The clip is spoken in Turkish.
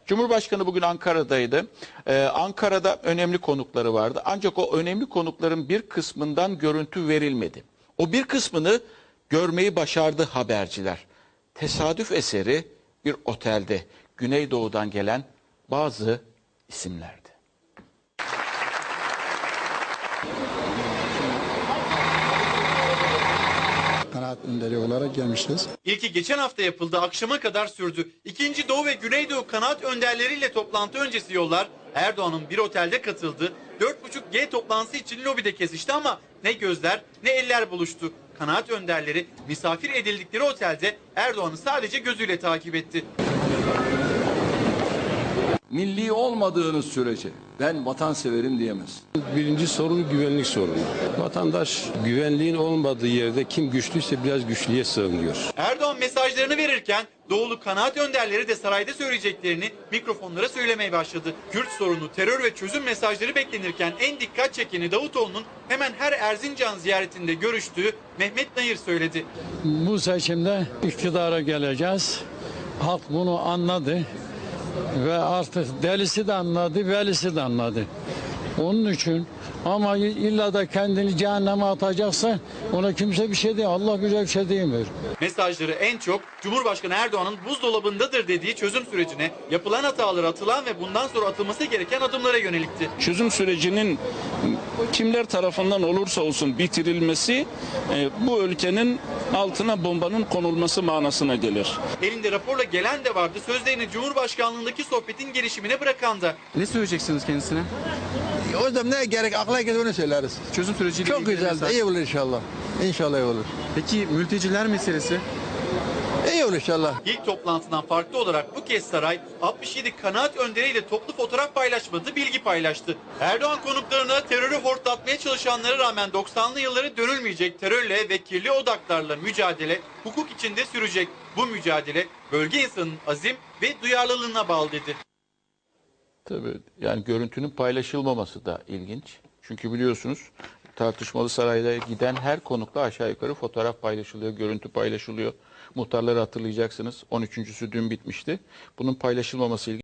Cumhurbaşkanı bugün Ankara'daydı. Ankara'da önemli konukları vardı. Ancak o önemli konukların bir kısmından görüntü verilmedi. O bir kısmını görmeyi başardı haberciler. Tesadüf eseri bir otelde Güneydoğu'dan gelen bazı isimlerdi. Kanaat önderi olarak gelmişiz. İlki geçen hafta yapıldı, akşama kadar sürdü. İkinci Doğu ve Güneydoğu kanaat önderleriyle toplantı öncesi yollar Erdoğan'ın bir otelde katıldı. 4.5G toplantısı için lobide kesişti ama ne gözler ne eller buluştu. Kanaat önderleri misafir edildikleri otelde Erdoğan'ı sadece gözüyle takip etti. Milli olmadığınız sürece ben vatanseverim diyemez. Birinci sorun güvenlik sorunu. Vatandaş güvenliğin olmadığı yerde kim güçlüyse biraz güçlüye sığınıyor. Erdoğan mesajlarını verirken Doğulu kanaat önderleri de sarayda söyleyeceklerini mikrofonlara söylemeye başladı. Kürt sorunu, terör ve çözüm mesajları beklenirken en dikkat çekeni Davutoğlu'nun hemen her Erzincan ziyaretinde görüştüğü Mehmet Nayır söyledi. Bu seçimde iktidara geleceğiz. Halk bunu anladı ve artık delisi de anladı, velisi de anladı. Onun için ama illa da kendini cehenneme atacaksa ona kimse bir şey değil. Allah bize bir şey diyemiyor. Mesajları en çok Cumhurbaşkanı Erdoğan'ın buzdolabındadır dediği çözüm sürecine, yapılan hataları, atılan ve bundan sonra atılması gereken adımlara yönelikti. Çözüm sürecinin kimler tarafından olursa olsun bitirilmesi bu ülkenin altına bombanın konulması manasına gelir. Elinde raporla gelen de vardı, sözlerini Cumhurbaşkanlığındaki sohbetin gelişimine bırakan da. Ne söyleyeceksiniz kendisine? O yüzden ne gerek akla gelir onu söyleriz. Çözüm süreciyle Çok ilgili güzel, mesaj. iyi olur inşallah. İnşallah iyi olur. Peki mülteciler meselesi? İyi olur inşallah. İlk toplantından farklı olarak bu kez saray 67 kanaat önderiyle toplu fotoğraf paylaşmadı, bilgi paylaştı. Erdoğan konuklarına terörü hortlatmaya çalışanlara rağmen 90'lı yılları dönülmeyecek terörle ve kirli odaklarla mücadele hukuk içinde sürecek. Bu mücadele bölge insanının azim ve duyarlılığına bağlı dedi. Tabii yani görüntünün paylaşılmaması da ilginç. Çünkü biliyorsunuz tartışmalı sarayda giden her konukla aşağı yukarı fotoğraf paylaşılıyor, görüntü paylaşılıyor. Muhtarları hatırlayacaksınız. 13.sü dün bitmişti. Bunun paylaşılmaması ilginç.